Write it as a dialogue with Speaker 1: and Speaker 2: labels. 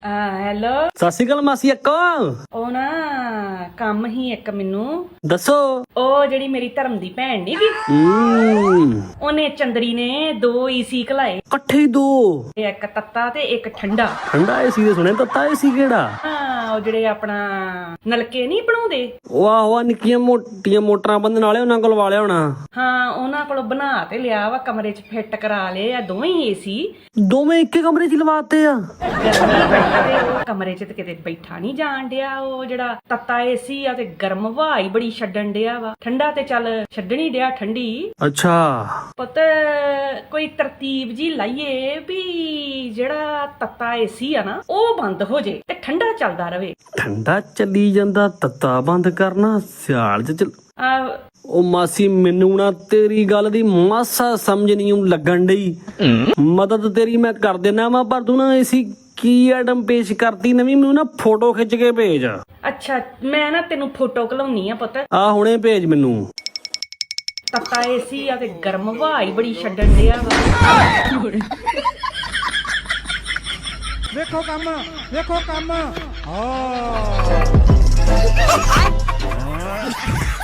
Speaker 1: Hello.
Speaker 2: ਸਤਿ ਸ਼੍ਰੀ ਅਕਾਲ ਮਾਸੀ ਅੱਕੋ।
Speaker 1: ਉਹ ਨਾ ਕੰਮ ਹੀ ਇੱਕ ਮੈਨੂੰ
Speaker 2: ਦੱਸੋ।
Speaker 1: ਉਹ ਜਿਹੜੀ ਮੇਰੀ ਧਰਮ ਦੀ ਭੈਣ ਨੀ ਗੀ, ਉਹਨੇ ਚੰਦਰੀ ਨੇ 2 ਏਸੀ ਘਲਾਏ।
Speaker 2: ਇਕੱਠੇ ਹੀ 2?
Speaker 1: ਇੱਕ ਤੱਤਾ ਤੇ ਇੱਕ ਠੰਡਾ।
Speaker 2: ਠੰਡਾ ਏਸੀ ਦੇ ਸੁਣਿਆ, ਤੱਤਾ ਏਸੀ ਕਿਹੜਾ?
Speaker 1: ਹਾਂ, ਉਹ ਜਿਹੜੇ ਆਪਣਾ ਨਲਕੇ ਨਹੀਂ ਬਣਾਉਂਦੇ,
Speaker 2: ਉਹ ਆਹੋ ਨਿੱਕੀਆਂ ਮੋਟੀਆਂ ਮੋਟਰਾਂ ਬੰਦਨ ਵਾਲੇ, ਉਹਨਾਂ ਕੋਲ ਵਾਲਿਆ ਹੋਣਾ।
Speaker 1: ਹਾਂ, ਉਹਨਾਂ ਕੋਲ ਬਣਾ ਤੇ ਲਿਆ ਵਾ, ਕਮਰੇ 'ਚ ਫਿੱਟ ਕਰਾ ਲਏ ਆ ਦੋਵੇਂ ਏਸੀ।
Speaker 2: ਦੋਵੇਂ ਇੱਕੇ ਕਮਰੇ 'ਚ ਲਵਾਤੇ ਆ?
Speaker 1: ਉਹ ਕਮਰੇ 'ਚ ਤੇ ਕਿਤੇ ਬੈਠਾ ਨਹੀਂ ਜਾਣ ਡਿਆ। ਉਹ ਜਿਹੜਾ ਤੱਤਾ ਏਸੀ ਆ ਤੇ ਗਰਮ ਹਵਾ ਹੀ ਬੜੀ ਛੱਡਣ ਡਿਆ ਵਾ, ਠੰਡਾ ਤੇ ਚੱਲ ਛੱਡਣੀ ਡਿਆ ਠੰਡੀ।
Speaker 2: ਅੱਛਾ।
Speaker 1: ਪੁੱਤ ਕੋਈ ਤਰਤੀਬ ਜੀ ਲਾਈਏ ਵੀ ਜਿਹੜਾ ਤੱਤਾ ਏਸੀ ਆ ਨਾ ਉਹ ਬੰਦ ਹੋ ਜੇ ਤੇ ਠੰਡਾ ਚੱਲਦਾ ਰਵੇ।
Speaker 2: ਠੰਡਾ ਚੱਲੀ ਜਾਂਦਾ, ਤੱਤਾ ਬੰਦ ਕਰਨਾ ਸਿਆਲ 'ਚ ਉਹ ਮਾਸੀ ਮੈਨੂੰ ਨਾ ਤੇਰੀ ਗੱਲ ਦੀ ਮਾਸਾ ਸਮਝ ਨਹੀਂ ਲੱਗਣ ਡਈ। ਮਦਦ ਤੇਰੀ ਮੈਂ ਕਰ ਦੇਣਾ ਵਾ, ਪਰ ਤੂੰ ਨਾ ਏਸੀ ਕੀ ਆਈਟਮ ਪੇਸ਼ ਕਰਤੀ ਨਵੀਂ, ਮੈਨੂੰ ਨਾ ਫੋਟੋ ਖਿੱਚ ਕੇ ਭੇਜ।
Speaker 1: ਅੱਛਾ, ਮੈਂ ਨਾ ਤੈਨੂੰ ਫੋਟੋ ਘਲਾਉਣੀ ਆ ਪੁੱਤ।
Speaker 2: ਆ ਹੁਣੇ ਭੇਜ ਮੈਨੂੰ।
Speaker 1: ਤੱਤਾ ਏਸੀ ਆ ਤੇ ਗਰਮ ਹਵਾ ਹੀ ਬੜੀ ਛੱਡਣ ਡਿਆ ਵਾ।
Speaker 3: ਵੇਖੋ ਕੰਮ, ਵੇਖੋ ਕੰਮ। ਹਾਂ